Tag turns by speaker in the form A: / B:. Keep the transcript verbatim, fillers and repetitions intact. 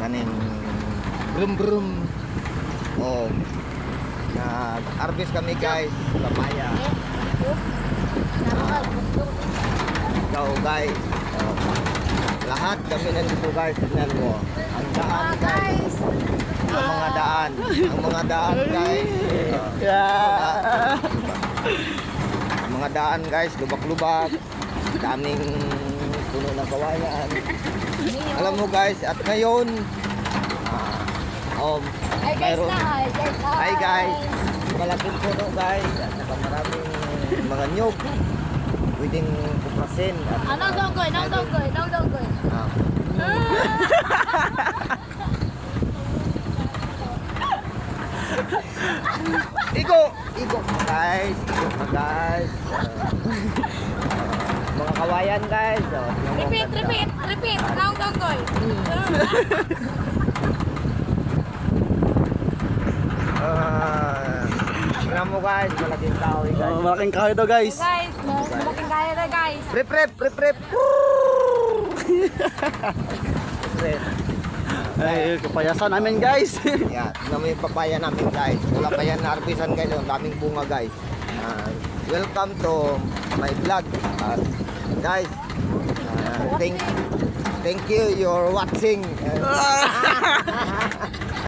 A: kaning brum brum. Oh, nag-harvest kami guys, papaya. Ah, ikaw guys, oh, lahat kami nandito guys, tignan mo. Ang daan guys, ang mga daan, ang mga daan guys.
B: Yeah.
A: Ang mga daan guys, lubak-lubak, daming puno ng kawayan. Alam mo guys, at ngayon, ah, um,
C: Hi guys
A: mayroon,
C: na, hi guys.
A: hi guys, malaking puno guys, at saka maraming mga nyug, pwedeng kuprasin. At,
C: Anong donggoy, anong donggoy, anong donggoy.
A: ah, Igo, igo pa guys, igo pa guys. Ah, mga kawayan guys. Oh, tingnan mo, ang
C: Repeat,
A: ganda.
C: repeat, repeat. Anong donggoy.
A: Ah, tingnan mo guys, malaking kahoy guys.
B: Oh, malaking kahoy daw guys.
C: Guys, malaking kaya na guys.
A: Rip, rip, rip, rip. Rip.
B: Ay, kapayasan namin guys.
A: Yan, tingnan mo yung papaya namin guys. Wala pa yan na-harvestan guys. Ang daming bunga guys. Ah, welcome to my vlog. Ah, guys, ah, thank, thank you, you're watching.